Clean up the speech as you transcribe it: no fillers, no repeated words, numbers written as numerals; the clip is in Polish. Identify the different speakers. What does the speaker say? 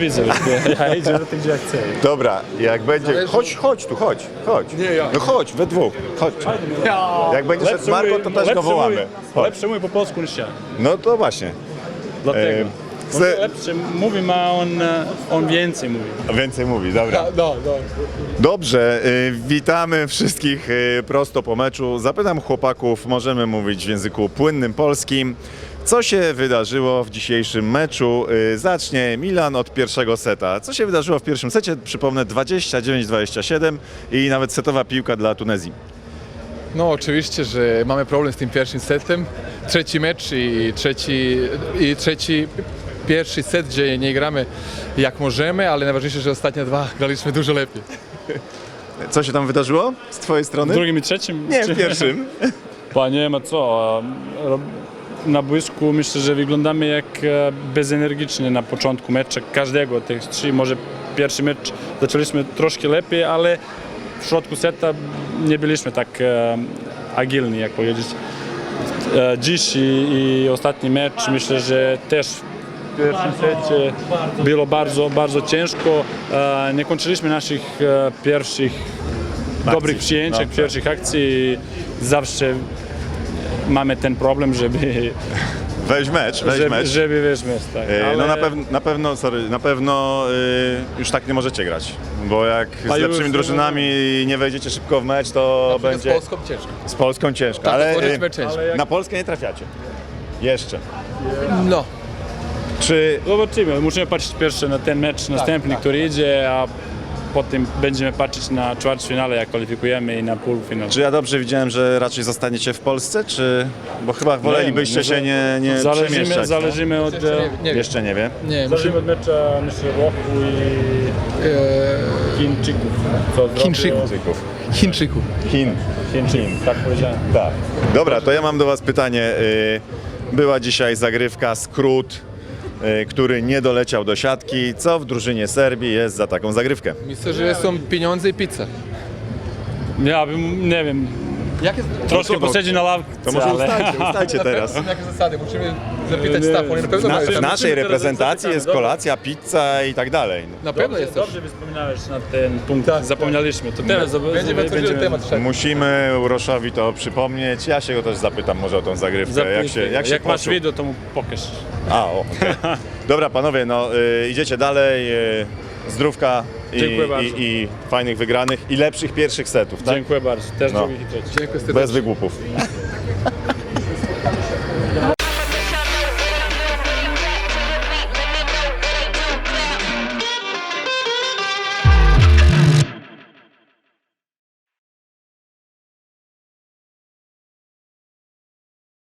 Speaker 1: widzę już, ja idę do tych, gdzie ja chcę.
Speaker 2: Dobra, jak będzie... Chodź tu, chodź.
Speaker 3: Nie, ja.
Speaker 2: No chodź, we dwóch, chodź. Jak będzie szedł Marko, to też go wołamy. Chodź.
Speaker 1: Lepsze mówi po polsku niż ja.
Speaker 2: No to właśnie.
Speaker 1: Dlatego. On
Speaker 2: Chce-
Speaker 1: lepsze mówi, a on więcej mówi.
Speaker 2: Więcej mówi, dobra.
Speaker 3: No.
Speaker 2: Dobrze, witamy wszystkich prosto po meczu. Zapytam chłopaków, możemy mówić w języku płynnym polskim. Co się wydarzyło w dzisiejszym meczu? Zacznie Milan od pierwszego seta. Co się wydarzyło w pierwszym secie? Przypomnę 29-27 i nawet setowa piłka dla Tunezji.
Speaker 3: No oczywiście, że mamy problem z tym pierwszym setem. Trzeci mecz i trzeci pierwszy set, gdzie nie gramy jak możemy, ale najważniejsze, że ostatnie dwa graliśmy dużo lepiej.
Speaker 2: Co się tam wydarzyło z twojej
Speaker 1: W
Speaker 2: strony?
Speaker 1: drugim i trzecim?
Speaker 2: Nie, w pierwszym.
Speaker 1: Nie ma co. Na boisku myślę, że wyglądamy jak bezenergicznie na początku meczu każdego. Tych trzy, może pierwszy mecz zaczęliśmy troszkę lepiej, ale w środku seta nie byliśmy tak agilni, jak powiedzieć. Dziś i ostatni mecz myślę, że też w pierwszym secie było bardzo ciężko. Nie kończyliśmy naszych pierwszych dobrych przyjęć, pierwszych akcji. Zawsze mamy ten problem, żeby
Speaker 2: Weź mecz.
Speaker 1: wejść mecz, tak.
Speaker 2: No na pewno już tak nie możecie grać, bo jak z lepszymi drużynami nie wejdziecie szybko w mecz, to będzie
Speaker 3: Z Polską ciężko.
Speaker 2: z Polską ciężko,
Speaker 3: Tak,
Speaker 2: ale
Speaker 3: powiedzmy ciężko.
Speaker 2: na Polskę nie trafiacie. Jeszcze.
Speaker 3: No.
Speaker 2: Czy
Speaker 1: Zobaczymy, musimy patrzeć pierwszy na ten mecz następny, który idzie, a potem będziemy patrzeć na ćwierćfinale, jak kwalifikujemy i na półfinał.
Speaker 2: ja dobrze widziałem, że raczej zostaniecie w Polsce, czy... Bo chyba wolelibyście się nie przemieszczać.
Speaker 1: Zależymy od...
Speaker 3: Nie wiem.
Speaker 2: Jeszcze nie wie.
Speaker 3: Nie,
Speaker 1: Zależymy od mecza, myślę, Włochu i Chińczyków. Co
Speaker 3: Chińczyków. Chińczyków.
Speaker 2: Chin.
Speaker 1: Tak powiedziałem.
Speaker 2: Tak. Dobra, to ja mam do was pytanie. Była dzisiaj zagrywka, skrót, który nie doleciał do siatki. Co w drużynie Serbii jest za taką zagrywkę?
Speaker 3: Myślę, że są pieniądze i pizza.
Speaker 1: Ja bym, nie wiem,
Speaker 3: Jakie
Speaker 1: troszkę posiedzieć na ławce,
Speaker 2: To może
Speaker 1: ale...
Speaker 2: ustajcie teraz.
Speaker 3: Jakie zasady? Musimy zapytać staff, oni na pewno mają
Speaker 2: W
Speaker 3: tam.
Speaker 2: naszej reprezentacji jest kolacja, pizza i tak dalej.
Speaker 3: Na pewno jest też.
Speaker 1: Dobrze wspominałeś na ten punkt,
Speaker 3: Tak,
Speaker 1: zapomnieliśmy. To teraz
Speaker 3: Będziemy otworzyli temat wszak.
Speaker 2: Musimy Uroszowi to przypomnieć. Ja się go też zapytam może o tą zagrywkę. Jak
Speaker 1: masz
Speaker 2: poczuł?
Speaker 1: wideo, to mu pokaż.
Speaker 2: Okay. Dobra panowie, no idziecie dalej. Zdrówka
Speaker 1: Dziękuję bardzo.
Speaker 2: i fajnych wygranych i lepszych pierwszych setów, tak?
Speaker 1: Dziękuję bardzo. Też
Speaker 2: No.
Speaker 1: drugich i trzecich.
Speaker 3: Dziękuję serdecznie.
Speaker 2: Bez wygłupów.